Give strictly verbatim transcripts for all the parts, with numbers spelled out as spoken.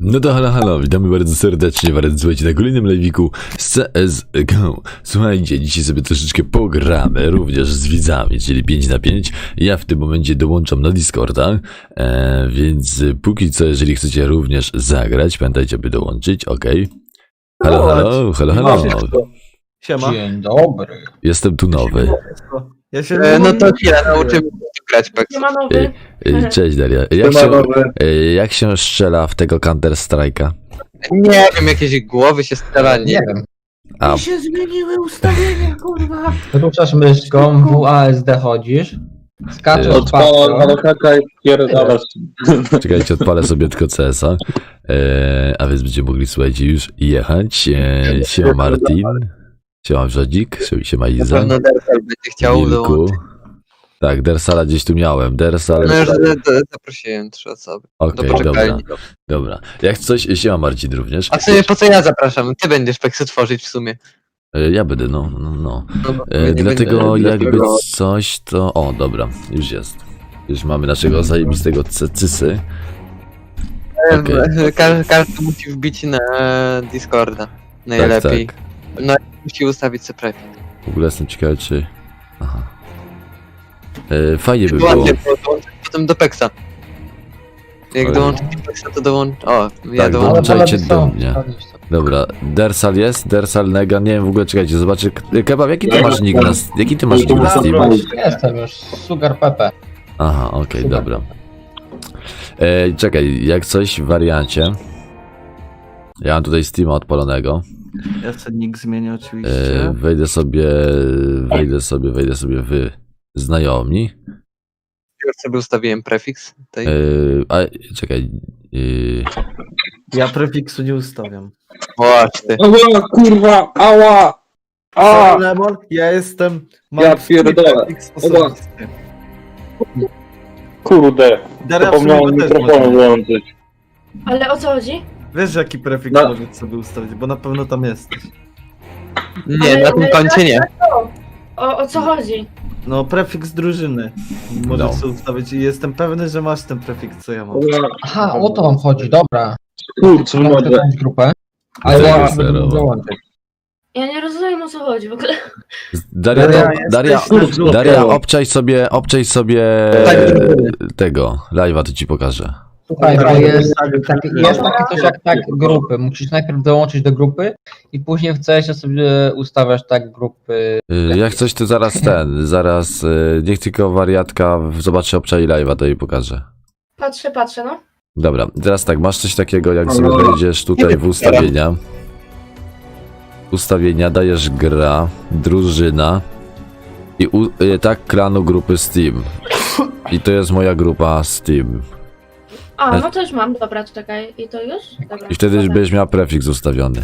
No to halo, halo, witamy bardzo serdecznie, bardzo słuchajcie, na kolejnym live'iku z C S G O. Słuchajcie, dzisiaj sobie troszeczkę pogramy, również z widzami, czyli pięć na pięć. Ja w tym momencie dołączam na Discorda, e, więc póki co, jeżeli chcecie również zagrać, pamiętajcie, by dołączyć, ok. Halo, halo, halo, halo. Siema. Dzień dobry. Jestem tu nowy. Ja się E, no to chwilę, nauczymy się grać Pex. Nie ma nowy. E, e, Cześć Daria, jak się, e, jak się strzela w tego Counter Strike'a? Nie wiem, jakieś głowy się strzela, nie Nie wiem. wiem. A, Mi się zmieniły ustawienia, kurwa. Ruszasz myszką, W A S D chodzisz, skaczesz Odpala pasją. malokaka i pierdalasz. czekajcie, odpalę sobie tylko C S a, e, a więc będziemy mogli, słuchajcie, już jechać. E, siema Martin, siema Wrzodzik, siema Na Iza, pewno Dersal będzie chciał Wilku. dołączyć. Tak, Dersala gdzieś tu miałem, Dersal, No już z- z- zaprosiłem trzy osoby. okej, do dobra, poczekalni. dobra. Jak coś, siema Marcin również. A co, po co ja zapraszam? Ty będziesz Pexy tworzyć w sumie. E, ja będę, no, no, no. No, bo E, nie dlatego będę- jakby dlatego- coś, to, o, dobra, już jest. Już mamy naszego zajebistego cysy. E, okej. Każdy, każdy musi wbić na Discorda. Najlepiej. Tak, No i musi ustawić sobie prefix. W ogóle jestem ciekawy, czy... Aha. E, fajnie by było. Ładnie, bo dołączyć potem do Pexa. Jak Oj. dołączyć do Pexa, to dołącz... O, ja Tak, dołączę. dołączajcie Ale do są, mnie. sprawdzić to. Dobra, Dersal jest, Dersal Nega, nie wiem w ogóle, czekajcie, zobaczę. Kebab, jaki ty masz nick na, jaki ty masz nick na Steam? Jestem już, Sugar Pepe. Aha, okej, dobra. E, czekaj, jak coś w wariancie. Ja mam tutaj Steama odpalonego. Ja sobie nick zmienię E, oczywiście. wejdę sobie, wejdę sobie, wejdę sobie w znajomi. Już sobie ustawiłem prefiks. Tej. E, a, czekaj. E, Ja prefiksu nie ustawiam. Właśnie. Ała, kurwa, ała! A! Lemon, ja jestem... Ja swój pierdolę. prefiks osobisty. Kurde, Daria w zapomniałem sumie też mikrofonu może. włączyć. Ale o co chodzi? Wiesz jaki prefiks No. możesz sobie ustawić, bo na pewno tam jesteś. Nie, Ale- na tym ale koncie nie. O, o co chodzi? No, prefiks drużyny. Możesz No. sobie ustawić i jestem pewny, że masz ten prefiks, co ja mam. Aha, o to wam chodzi, dobra. Kurczę, Mam mogę. jakąś grupę, ale Zero, ja zero. będę mógł dołączyć. Ja nie rozumiem o co chodzi w ogóle. Daria, Daria, Daria, jesteś na grupie. Daria, obczaj sobie, obczaj sobie Tak, tego, live'a, to ci pokażę. Słuchaj, bo jest, Tak, taki, jest takie coś jak tak grupy. Musisz najpierw dołączyć do grupy i później w C S ie sobie ustawiasz tak grupy. Y, Jak coś, to zaraz ten, zaraz, y, niech tylko wariatka zobaczy obczaj live'a, to jej pokażę. Patrzę, patrzę, no. Dobra, teraz tak, masz coś takiego, jak sobie wejdziesz tutaj w ustawienia. Ustawienia, dajesz gra, drużyna i u, y, tak klanu grupy Steam. I to jest moja grupa Steam. A, no to już mam, dobra, czekaj. I to już? Dobra. I wtedy dobra. będziesz miała prefiks ustawiony.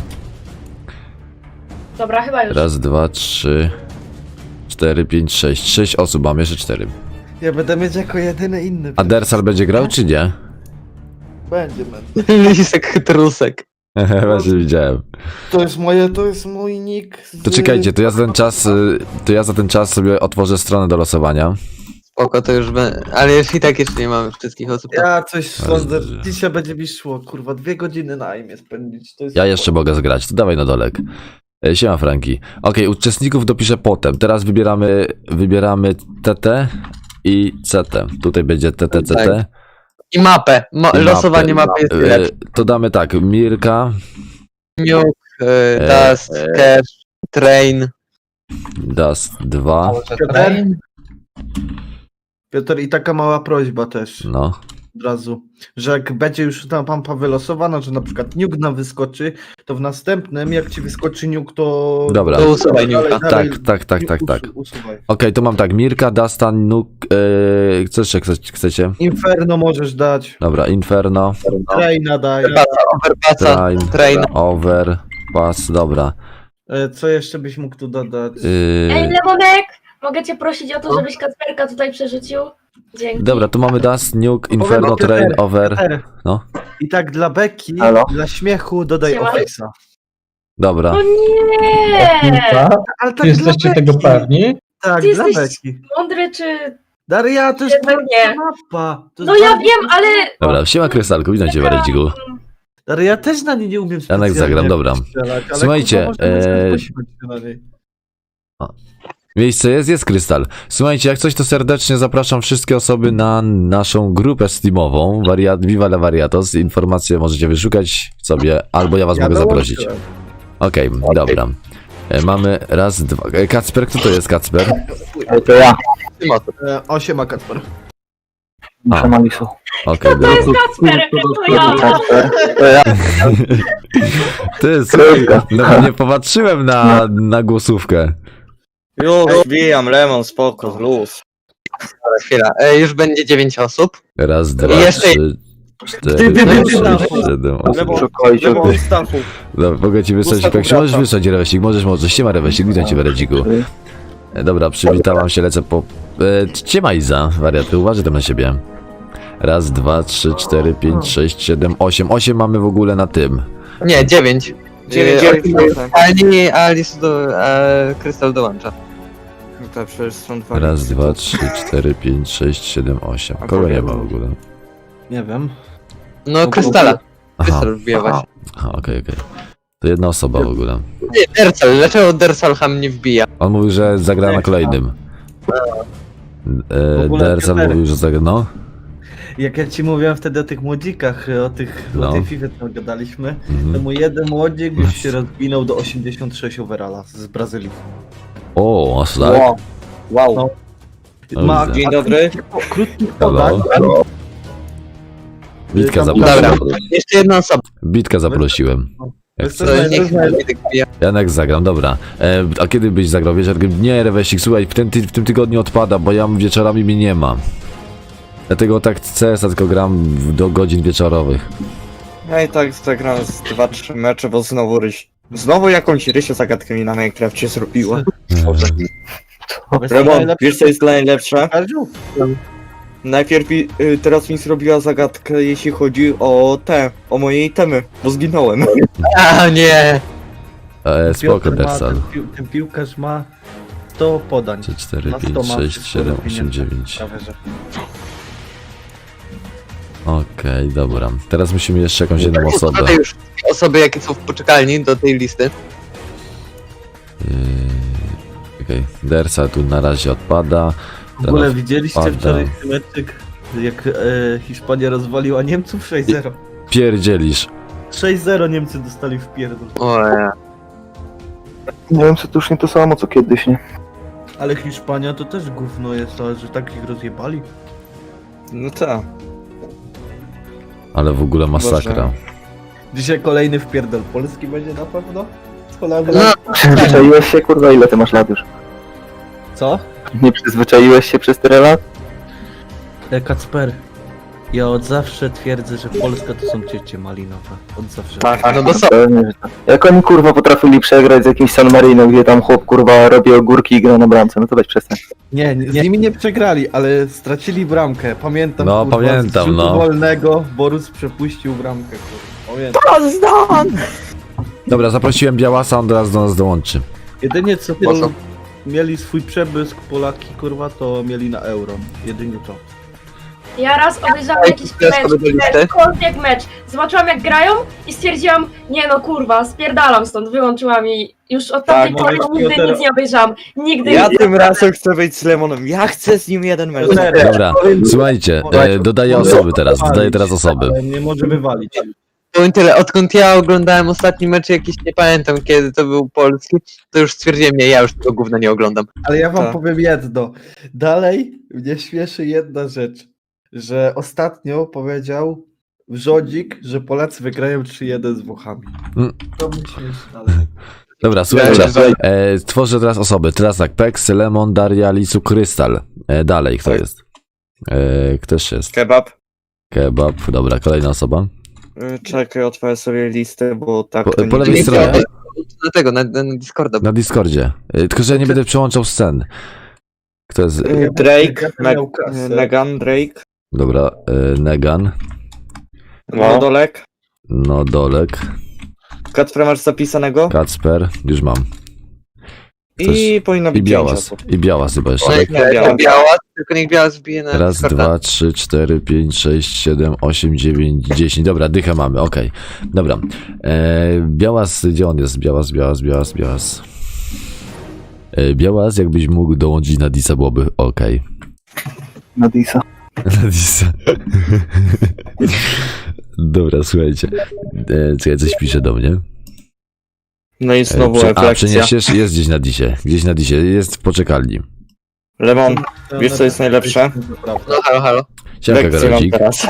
Dobra, chyba już. Raz, dwa, trzy, cztery, pięć, sześć. Sześć osób, mam jeszcze cztery. Ja będę mieć jako jedyny inny. A Dersal będzie grał, czy nie? Będzie, man. Lisek chytrusek. Właśnie widziałem. To jest moje, to jest mój nick. Z... To czekajcie, to ja za ten czas, y, to ja za ten czas sobie otworzę stronę do losowania. Spoko, to już będę. Ale już i tak jeszcze nie mamy wszystkich osób. Ja coś sądzę, Jezu. dzisiaj będzie mi szło, kurwa, dwie godziny na imię spędzić. To jest... Ja jeszcze mogę zgrać, to dawaj na dolek. E, Siema Franki. Okej, uczestników dopiszę potem. Teraz wybieramy, wybieramy T T i C T. Tutaj będzie T T, C T. Tak. I mapę. Mo- I losowanie mapę. mapy jest E, lepsze. To damy tak, Mirka, Nuke, E, e, Dust, Cash, Train. Dust dwa, Train. Piotr, i taka mała prośba też no. od razu, że jak będzie już ta pampa wylosowana, że na przykład nuke nam wyskoczy, to w następnym, jak ci wyskoczy nuke, to... Dobra. To usuwaj Dalej, nuka. dalej, Tak, tak, tak, tak, tak. usu- Usuwaj. Okej, to mam tak, Mirka, Dusta, Nuk, e, co jeszcze chce- chcecie? Inferno możesz dać, Dobra, Inferno, Traina daj. Overpassa, Train, Train. Over, Pass, dobra. E, Co jeszcze byś mógł tu dodać? Ej, Yy, Lemonek! Mogę cię prosić o to, żebyś Kacperka tutaj przerzucił? Dzięki. dobra, tu mamy Dust, Nuke, Inferno, Powiem, Train, Piotr, Over. Piotr, No. I tak dla beki, Halo? dla śmiechu dodaj Siema. Office'a. Dobra. O nie! Ale tak Czy jesteście dla tego beki. pewni? Tak, Ty dla jesteś- beki. Mądry czy... Daria, to jest Jednak nie. mapa. To No jest ja bardzo- wiem, ale... Dobra, siema Krystalku, witam cię Waredziku. Ale ja też na nie nie umiem Janek, specjalnie zagram, dobra. strzelać, ale Słuchajcie, kurwa, można e, bezpośrednio na niej. Miejsce jest, jest Krystal. Słuchajcie, jak coś to serdecznie zapraszam wszystkie osoby na naszą grupę Steamową, Wariat, Viva la Variatos. Informacje możecie wyszukać sobie, albo ja was Ja mogę zaprosić. dołączyłem. Okej, dobra. E, mamy raz, dwa. E, Kacper, kto to jest Kacper? To ja. E, osiem ma Kacper. A. Malisu. Okej, To jest dobra. Kacper, to ja. To ja. Ty, słuchaj, no nie popatrzyłem na, na głosówkę. Już wbijam, Lemon, spoko, luz. Chwila, e, już będzie dziewięć osób. Raz, dwa, jeszcze- trzy, cztery, Ty, ty, ty, pięć, ty, sześć, ty. siedem, osiem. Lemon, Szukajcie. Lemon z dachu. Dobra, mogę ci wysłać, Gustaw jak się możesz Grata. wysłać, Rewesik, możesz, możesz, siema Rewesik, witam cię w Redziku. E, Dobra, przywitałam się, lecę po... E, Ciema Iza, wariaty, uważaj tam na siebie. Raz, dwa, trzy, cztery, pięć, sześć, siedem, osiem. Osiem mamy w ogóle na tym. Nie, dziewięć. Dziewięć, E, dziewięć. Ali, Alice do... E, Krystal dołącza. No to przecież są dwa. Raz, dwa, trzy, cztery, pięć, sześć, siedem, osiem. A Kogo nie ma powiem- w ogóle? Nie wiem. No, Krystala. Aha, Krystal wbija właśnie. aha, okej, okej. To jedna osoba w ogóle. Nie, Dersal, dlaczego Dersal ham nie wbija? On mówił, że zagra na kolejnym. E, ogóle Dersan Piotrek. mówił, że zagra, no. Jak ja ci mówiłem wtedy o tych młodzikach, o tych, No. o tej FIFA, co gadaliśmy, to Mhm. mój jeden młodzik już się rozwinął do osiemdziesiąt sześć overalla z Brazylii. O, aż tak? Wow. Wow. No. No Ma widzę. Dzień dobry. krótkich Halo? podań. Bitka Tam- zaprosiłem. Dobra, jeszcze jedna osoba. Bitka zaprosiłem. Jak Wiesz co, chcesz. To Dobra, niech dobra. Witek wbija. Janek zagram, dobra. E, a kiedy byś zagrał wieczorem? Nie, Rewesik, słuchaj, w tym, ty, w tym tygodniu odpada, bo ja wieczorami mnie nie ma. Dlatego tak C S a tylko gram w- do godzin wieczorowych. Ja i tak zagrałem z dwa trzy mecze, bo znowu ryś. Znowu jakąś rysię zagadkę mi na Minecrafcie zrobiła. Wiesz co, Lemon, najlepsze wiesz co jest najlepsze? Kaziu? Najpierw y, teraz mi zrobiła zagadkę, jeśli chodzi o te, o moje itemy, bo zginąłem. A nie! E, spoko, Piotr ma, Dersal. ten, pił, ten piłkarz ma sto podań. trzy, cztery, Na sto pięć, ma sześć, wszystko siedem, rozwinięte. osiem, dziewięć. Prawie, że. Okej, dobra. Teraz musimy jeszcze jakąś jedną osobę. Dodaj już osoby, jakie są w poczekalni do tej listy. Yy, Okej, Dersa tu na razie odpada. W ogóle Teraz widzieliście odpada. wczorajszy meczyk, jak e, Hiszpania rozwaliła Niemców sześć zero. Pierdzielisz. sześć zero Niemcy dostali w pierdol. O, ja. Nie wiem, co to już nie to samo, co kiedyś, nie? Ale Hiszpania to też gówno jest, a że tak ich rozjebali. No tak. Ale w ogóle masakra. Boże. Dzisiaj kolejny wpierdol Polski będzie na pewno? Z Holandią? No, Przyzwyczaiłeś się, kurwa, ile ty masz lat już? Co? Nie przyzwyczaiłeś się przez tyle lat? E, Kacper, ja od zawsze twierdzę, że Polska to są ciecie malinowe. Od zawsze. Tak, no to są. Pewnie, że tak. Jak oni, kurwa, potrafili przegrać z jakimś San Marino, gdzie tam chłop, kurwa, robi ogórki i gra na bramce, no to weź przestań. Nie, nie, z nimi nie przegrali, ale stracili bramkę. Pamiętam, No, kurwa, pamiętam, z rzutu no. wolnego Borus przepuścił bramkę. Kurwa. Pamiętam. Dobra, zaprosiłem Białasa, on teraz do nas dołączy. Jedynie co Po co? Pol- mieli swój przebłysk Polaki, kurwa, to mieli na euro. Jedynie to. Ja raz obejrzałam Ej, jakiś teraz mecz, sobie do listy. jakikolwiek mecz. Zobaczyłam jak grają i stwierdziłam, nie no kurwa, spierdalam stąd, wyłączyłam i już od tamtej Tak, pory mówię, nigdy Piotr- nic nie obejrzałam. Nigdy Ja nic tym nie razem chcę być z Lemonem. Ja chcę z nim jeden mecz. Dobra, słuchajcie, e, dodaję osoby teraz, dodaję teraz osoby. Ale nie może wywalić. Powiem tyle, odkąd ja oglądałem ostatni mecz jakiś, nie pamiętam kiedy to był polski, to już stwierdziłem, nie, ja już tego gówna nie oglądam. Ale ja wam Tak. powiem jedno. Dalej mnie śmieszy jedna rzecz, że ostatnio powiedział Wrzodzik, że Polacy wygrają trzy jeden z Włochami. Mm. To mnie śmieszy dalej. Dobra, słuchajcie, e, tworzę teraz osoby. Teraz tak, Pex, Lemon, Daria, Lisu, Krystal. E, dalej, kto jest? E, ktoś jest. Kebab. Kebab, dobra, kolejna osoba. Y, Czekaj, otworzę sobie listę, bo tak Po- to po nie lewej działa. stronie. Do tego, na, na Discorda. Na Discordzie. E, tylko, że ja nie będę przełączał scen. Kto jest? Y, Drake, Ja Me miał kasę. Megan, Drake, Dobra, e, Negan, No. Modolek. Nodolek, Kacper, masz zapisanego? Kacper, już mam. I powinno I być pięć białas. osób. I białas chyba jeszcze. Tak, Nie, biała. to biała, tylko niech biała zbije na Raz, Discorda. dwa, trzy, cztery, pięć, sześć, siedem, osiem, dziewięć, dziesięć. Dobra, dychę mamy, okej. Dobra. E, Białas, gdzie on jest? Białas, Białas, Białas, Białas. E, Białas, jakbyś mógł dołączyć na Disa, byłoby okej. Na Disa. Na Disa. Dobra, słuchajcie. E, czekaj, coś pisze do mnie. No i E, znowu prze- a, refleksja. przeniesiesz? Jest gdzieś na Disie. Gdzieś na Disie. Jest w poczekalni. Lemon, wiesz co jest najlepsze? No halo, halo. Siemka, Lekcję mam Garocik. teraz.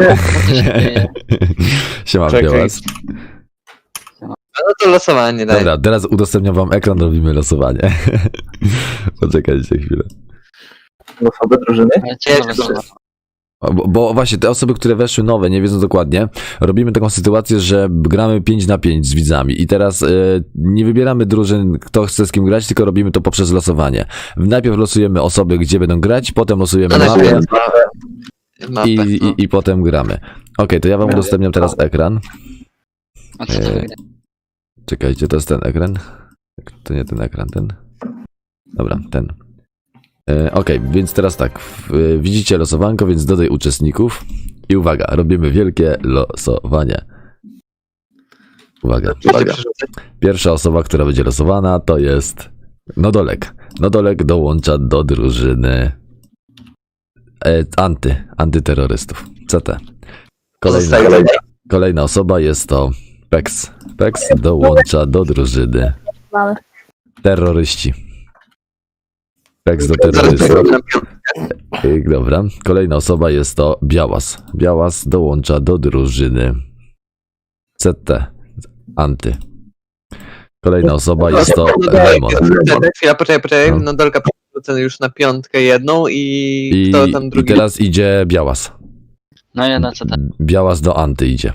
Siema, Czekaj. Białas. No to losowanie daj. Dobra, teraz udostępniam wam ekran, robimy losowanie. Poczekajcie chwilę. Osoby drużyny? O, Bo, bo właśnie te osoby, które weszły nowe, nie wiedzą dokładnie, robimy taką sytuację, że gramy pięć na pięć z widzami i teraz e, nie wybieramy drużyn, kto chce z kim grać, tylko robimy to poprzez losowanie. Najpierw losujemy osoby, gdzie będą grać, potem losujemy No, mapę Mapę, i, no. i, i potem gramy. Okej, to ja wam udostępniam teraz ekran. A co to E, Czekajcie, to jest ten ekran. To nie ten ekran, ten. Dobra, ten. E, Okej, więc teraz tak. W, e, widzicie losowanko, więc dodaj uczestników. I uwaga, robimy wielkie losowanie. Uwaga. Uwaga. Pierwsza osoba, która będzie losowana, to jest Nodolek. Nodolek dołącza do drużyny e, anty, antyterrorystów. C T. Kolejna, Zostaje. kolejna osoba jest to Pex. Pex dołącza do drużyny Mamy. terroryści. Pex do Zaraz terrorystów. zrobię na piątkę. Y, Dobra. Kolejna osoba jest to Białas. Białas dołącza do drużyny C T. Anty. Kolejna osoba jest to Lemon. Chwila, poczekaj, poczekaj. No. No Dolka procent już na piątkę jedną i, I, kto tam I drugi? teraz idzie Białas. No ja na co tam? Białas do Anty idzie.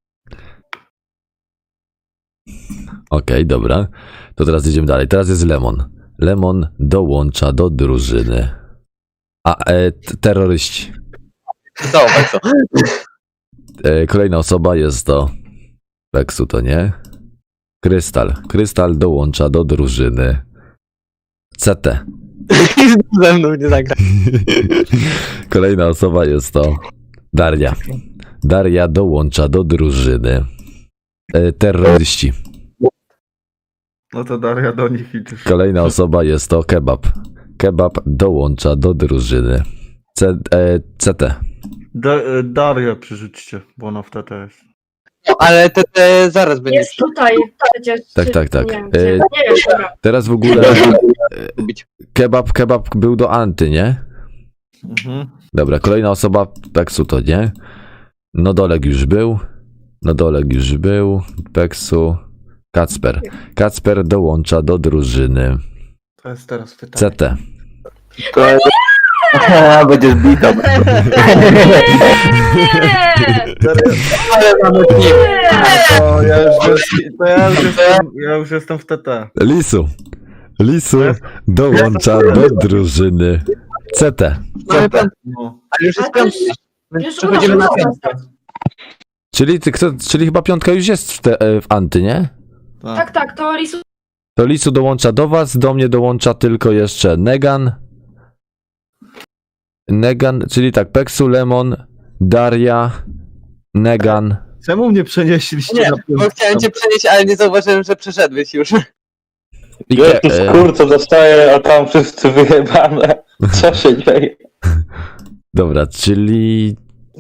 Okej, dobra. To teraz idziemy dalej. Teraz jest Lemon. Lemon dołącza do drużyny. A, e, t- terroryści. Dobra, co? E, kolejna osoba jest to Peksu, to nie. Krystal. Krystal dołącza do drużyny C T. Ze mną nie zagra. Kolejna osoba jest to Daria. Daria dołącza do drużyny e, terroryści. No to Daria do nich idziesz. Kolejna osoba jest to Kebab. Kebab dołącza do drużyny C, e, C T. Da, e, Darię przerzućcie, bo ona w T T jest. No, ale te, te zaraz będzie Jest tutaj przecież. Tak, czy- tak, tak. Nie wiem, E, gdzie. nie wiem, dobra. Teraz w ogóle przybić. Kebab, Kebab był do Anty, nie? Mhm. Dobra, kolejna osoba Peksu to nie. Nodolek już był. Nodolek już był. Peksu. Kacper. Kacper dołącza do drużyny To jest teraz pytanie. C T. To jest... Będziesz bita. Nie! Ale mamy team. Nie! To ja już, jest, to ja już, jestem, ja już jestem w T T. Lisu. Lisu Jest? dołącza do drużyny C T. Mamy piątkę, No. ale już Ale jest to już, piątka. Więc już przechodzimy na udało się piątkę. dostać. Czyli, ty, kto, czyli chyba piątka już jest w, te, e, w Anty, nie? Tak, tak, to Lisu. To Lisu dołącza do was, do mnie dołącza tylko jeszcze Negan. Negan, czyli tak, Peksu, Lemon, Daria, Negan. Czemu mnie przenieśliście Nie, na bo piątkę? chciałem cię przenieść, ale nie zauważyłem, że przeszedłeś już. I Ja Ke- jakiś e, kurco dostaję, a tam wszyscy wyjebane. Co się dzieje? Dobra, czyli...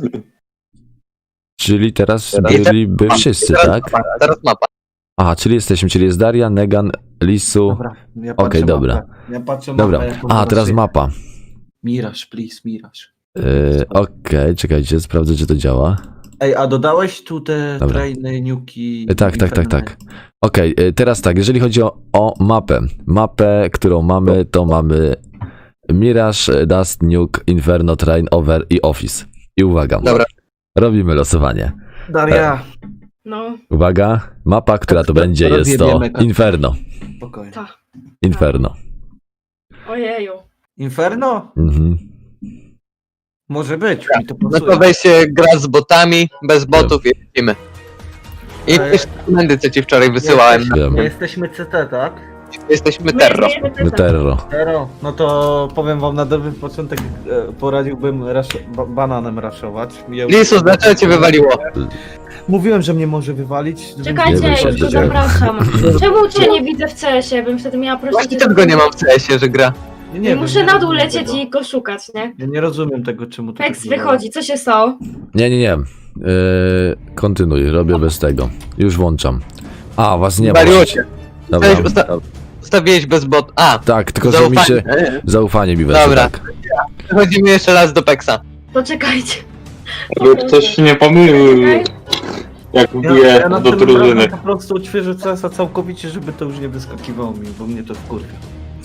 Czyli teraz Teraz- byliby wszyscy, Teraz tak? mapa, Teraz mapa. Aha, czyli jesteśmy, czyli jest Daria, Negan, Lisu. Dobra, ja Okej, patrzę dobra. mapę. Ja patrzę Dobra. mapę, jaką A, teraz zobaczę. mapa. Miraż, please, Miraż. Yy, Okej, czekajcie, sprawdzę, czy to działa. Ej, a dodałeś tu te Dobra. trainy, niuki? E, Tak, tak, tak, tak. Okej, e, teraz tak, jeżeli chodzi o, o mapę. Mapę, którą mamy, to mamy Mirage, Dust, Nuke, Inferno, Train, Over i Office. I uwaga. Dobra. Robimy losowanie. Daria, No, Uwaga, mapa, która to Teraz będzie, jest to rozjebiemy kartę. Inferno. spokojnie. tak. Inferno. Ojeju. Inferno? Mhm. Może być, mi to No pasuje. to weź się gra z botami, bez botów i lecimy. I Ale- też dokumenty, co ci wczoraj wysyłałem. Wiem. My jesteśmy C T, tak? Jesteśmy terro. My jesteśmy No terro. Zero. No to powiem wam na dobry początek, e, poradziłbym rasz- ba- bananem raszować. Ja już- Lisu, dlaczego cię wywaliło? Mówiłem, że mnie może wywalić. żebym- Czekajcie, Nie już wiem, go się zapraszam. Czemu cię nie widzę w C S-ie? Bym wtedy miała prosić. Właśnie tego nie mam w C S-ie, że gra. Nie, nie wiem, Muszę nie na dół rozumiem lecieć tego. i go szukać, nie? Ja nie rozumiem tego, czemu to Pex tak działa. wychodzi, co się stało? Nie, nie, nie. Yy, kontynuuj, robię bez tego. Już włączam. A, was nie ma. Wywaliło cię. Dobra. Weź, usta- Ustawiłeś bez bot. A, Tak, tylko że mi się zaufanie mi weszło, Dobra. tak. przechodzimy jeszcze raz do Pexa. To czekajcie. Żeby ktoś nie pomylił, Czekaj. jak Ja, wbije ja do następnym drużyny. razem po prostu odświeżę C S-a całkowicie, żeby to już nie wyskakiwało mi, bo mnie to wkurwia.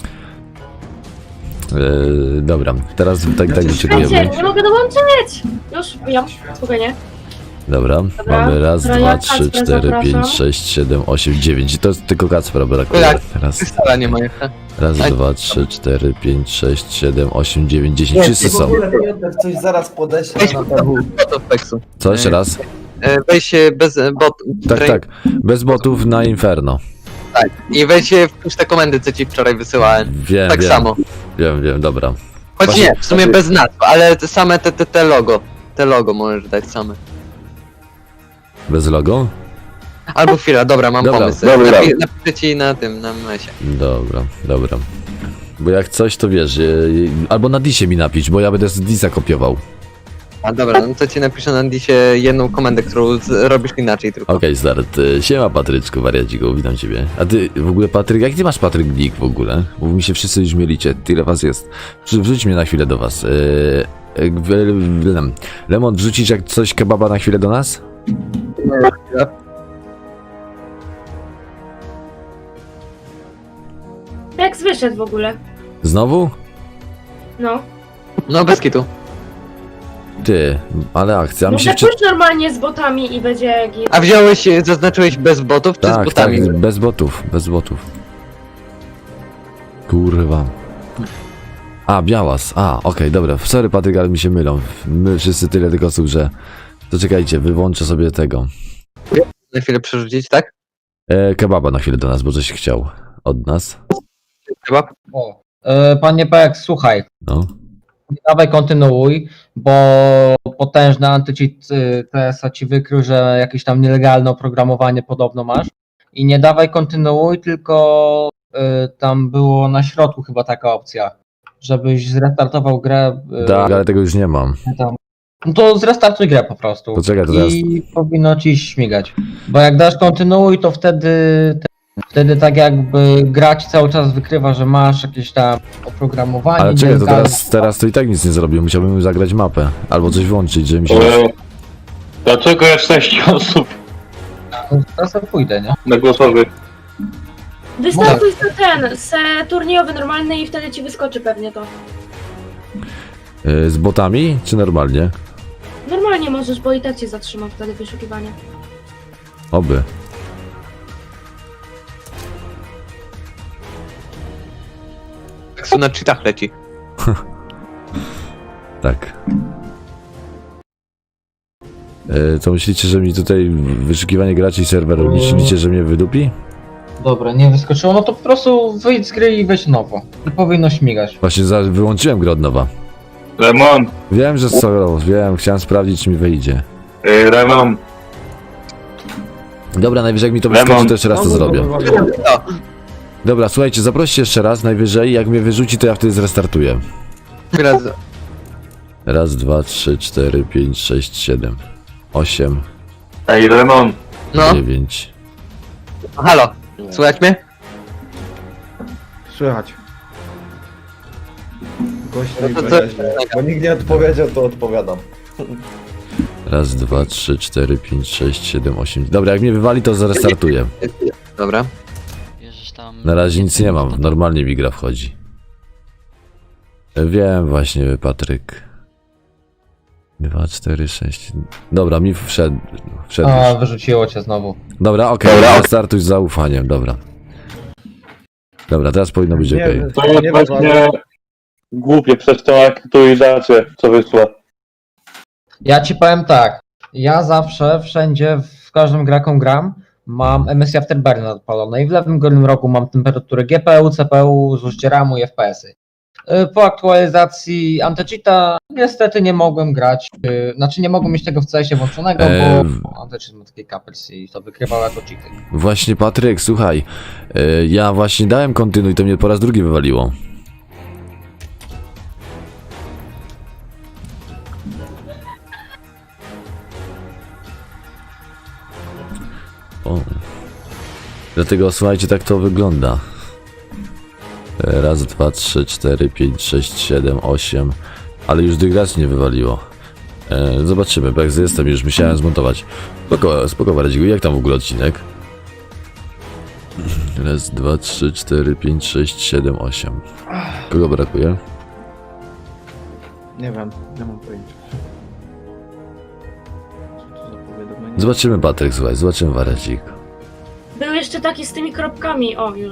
Yy, dobra, teraz tak, tak Czekajcie, wyczekujemy. nie mogę dołączyć! Już, ja, spokojnie. Dobra, Dobra, mamy raz, dobra, dwa, ja trzy, Kacpra cztery, zapraszam. pięć, sześć, siedem, osiem, dziewięć. I to jest tylko Kacpra brakuje. Tak. Raz, Krystala nie ma jeszcze. raz, Tak. dwa, trzy, cztery, pięć, sześć, siedem, osiem, dziewięć, dziesięć. Wszyscy w są. ogóle Piotr coś zaraz podeślę Weź na tabu. botów Pexu. Co, jeszcze raz? E, Weź e, bez e, bot. Tak, tak. Bez botów na Inferno. I weź e, wpisz te komendy, co ci wczoraj wysyłałem. Wiem, Tak wiem. samo. Wiem, wiem, dobra. Choć Właśnie- nie, w sumie bez nazw, ale te same te, te, te logo. Te logo możesz dać same. Bez logo? Albo chwila, dobra, mam Dobra, pomysł. dobra. Napi- napiszę ci na tym, na mesie. Dobra, dobra. Bo jak coś, to wiesz, yy, albo na disie mi napisz, bo ja będę z disa kopiował. A dobra, no to ci napiszę na disie jedną komendę, którą z, robisz inaczej tylko. Okej, start. Y, Siema Patryczku, wariaciku, witam ciebie. A ty w ogóle Patryk, jak ty masz Patryk nick w ogóle? Bo mi się wszyscy już mielicie, tyle was jest. Wrzu- Wrzuć mnie na chwilę do was. Yy, yy, w- w- Lemon, wrzucisz jak coś kebaba na chwilę do nas? Pex wyszedł w ogóle. Znowu? No. No bez kitu. Ty, ale akcja, mi Może się wczy... pójść normalnie z botami i będzie git. A wziąłeś, e, zaznaczyłeś bez botów czy z Tak, botami? tak, bez botów, bez botów. Kurwa. A, Białas, a, okej, dobra, sorry Patryk, ale mi się mylą. My wszyscy tyle tych osób, że... To czekajcie, wyłączę sobie tego. Na chwilę przerzucić, tak? E, kebaba na chwilę do nas, bo coś chciał od nas. Chyba. O. E, panie Pex, słuchaj. No. Nie dawaj kontynuuj, bo potężny antycheat y, T S-a ci wykrył, że jakieś tam nielegalne oprogramowanie podobno masz. I nie dawaj kontynuuj, tylko y, tam było na środku chyba taka opcja, żebyś zrestartował grę. y, Tak, ale tego już nie mam. tam. No to zrestartuj grę po prostu. To czekaj, to teraz... I powinno ci śmigać. Bo jak dasz kontynuuj, to wtedy wtedy tak jakby grać cały czas wykrywa, że masz jakieś tam oprogramowanie. Ale czekaj, to nielegalne. teraz, teraz to i tak nic nie zrobił. Musiałbym zagrać mapę. Albo coś włączyć, żeby mi się... E, Dlaczego jest sześć osób No, teraz ja pójdę, nie? na głosowy? Wystartuj za ten, se turniejowy normalny i wtedy ci wyskoczy pewnie to. E, z botami, czy normalnie? Normalnie możesz, bo i tak cię zatrzyma wtedy wyszukiwanie. Oby. Pexu na cheatach leci. Tak. E, co myślicie, że mi tutaj wyszukiwanie graczy i serwer, myślicie, że mnie wydupi? Dobra, nie wyskoczyło, no to po prostu wyjdź z gry i weź nowo. I powinno śmigać. Właśnie za, wyłączyłem grę od nowa. Lemon, Wiem, że co, wiem, chciałem sprawdzić, czy mi wyjdzie. e, Lemon, Dobra, najwyżej jak mi to Lemon. wyskoczy, to jeszcze raz to No, zrobię. no, no, no. Dobra, słuchajcie, zaproście jeszcze raz, najwyżej, jak mnie wyrzuci, to ja wtedy zrestartuję. Chwila, z- Raz, dwa, trzy, cztery, pięć, sześć, siedem, osiem, ej Lemon, No, dziewięć. halo, słychać mnie? Słychać. Gość No mi to co- wyraźnie. Bo nikt nie odpowiedział, to odpowiadam. Raz, dwa, trzy, cztery, pięć, sześć, siedem, osiem. Dobra, jak mnie wywali, to zrestartuję. Dobra. Bierzesz tam... Na razie nic nie mam, normalnie mi gra wchodzi. Wiem właśnie, Patryk. Dwa, cztery, sześć. Dobra, mi wszedł. wszedł A, już. wyrzuciło cię znowu. Dobra, okej, Dobra. okay, startuj z zaufaniem, dobra. Dobra, teraz powinno być Nie, okej. to jest nie właśnie głupie przez tą aktualizację, co wyszła. Ja ci powiem tak. Ja zawsze, wszędzie, w każdym gra, jaką gram, mam M S I Afterburner odpalone i w lewym górnym rogu mam temperaturę G P U, C P U, zużycie ramu i F P S-y. Y, Po aktualizacji anti-cheata niestety nie mogłem grać, y, znaczy nie mogłem mieć tego w C S-ie włączonego, Eee, bo anti-cheat ma taki kapels i to wykrywał jako cheaty. Właśnie Patryk, słuchaj, e, ja właśnie dałem kontynuuj, to mnie po raz drugi wywaliło. O. Dlatego słuchajcie, tak to wygląda. E, Raz, dwa, trzy, cztery, pięć, sześć, siedem, osiem. Ale już dygracz nie wywaliło. E, zobaczymy, bo jak jestem, już musiałem zmontować. Spoko, spoko Waredziku, jak tam w ogóle odcinek? Raz, dwa, trzy, cztery, pięć, sześć, siedem, osiem. Kogo brakuje? Nie wiem, nie mam pojęcia. Co to za powiadomienie? Zobaczymy Patryk, słuchaj, zobaczymy Warecik. Był jeszcze taki z tymi kropkami, o już.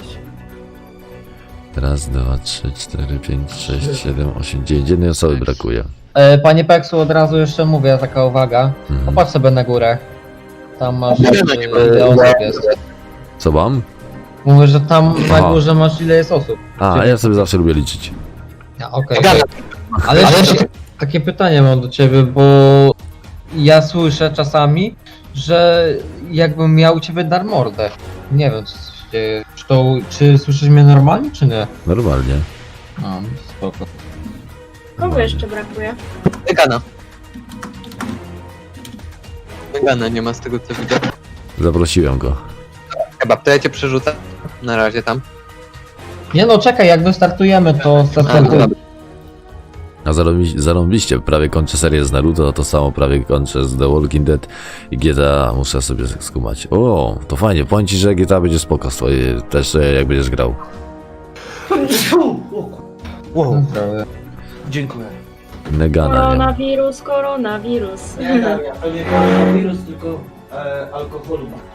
Raz, dwa, trzy, cztery, pięć, sześć, siedem, osiem, dziewięć. Jednej osoby brakuje. E, Panie Peksu, od razu jeszcze mówię, taka uwaga. Mhm. Popatrz sobie na górę. Tam masz Nie, e, ile osób jest. Co mam? Mówię, że tam na Aha. górze masz ile jest osób. A, ja sobie zawsze lubię liczyć. A, okej. okej. Ale jeszcze takie pytanie mam do ciebie, bo ja słyszę czasami, że jakbym miał u ciebie dar mordę. Nie wiem, co się dzieje. Czy, to, czy słyszysz mnie normalnie, czy nie? Normalnie. A, spoko. Kogo jeszcze brakuje? Megana. Megana nie ma z tego co widzę. Zaprosiłem go. Chyba, to ja cię przerzucę. Na razie tam. Nie no, czekaj, jak wystartujemy, to A, startuję. dobra. A zarąbi- zarąbiście, prawie kończę serię z Naruto, to samo prawie kończę z The Walking Dead i G T A muszę sobie skumać. O, to fajnie, powiem ci, że G T A będzie spoko swoje, też e, jak będziesz grał. Wow, Zdrowie. dziękuję. Negana, nie? Koronawirus, koronawirus. Nie, ja pewnie koronawirus, tylko e, alkoholu ma.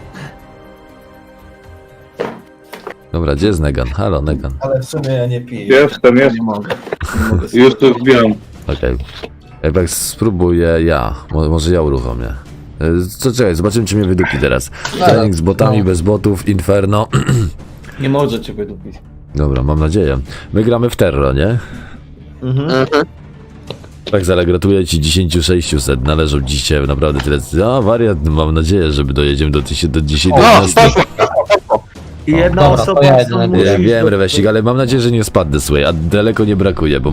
Dobra, gdzie jest Negan? Halo, Negan. Ale w sumie ja nie piję. Jestem, Ja jest. nie mogę. Nie mogę Już tu wbijam. Okej. Okay. Spróbuję ja, Mo- może ja uruchomię. E, Co, czekaj, zobaczymy czy mnie wydupi teraz. Trening z botami, no. bez botów, Inferno. Nie może cię wydupić. Dobra, mam nadzieję. My gramy w Terro, nie? Mhm. Mhm. Tak, Zara, gratuluję ci tysiąc sześćset, należą dzisiaj naprawdę tyle. A, wariat, mam nadzieję, że dostajemy do, tysiąc- do dzisiaj do jedenastu. I jedna Dobra, to osoba ja stąd jedyny musi Ja iść wiem, do- Rewesik, ale mam nadzieję, że nie spadnę, słuchaj, a daleko nie brakuje, bo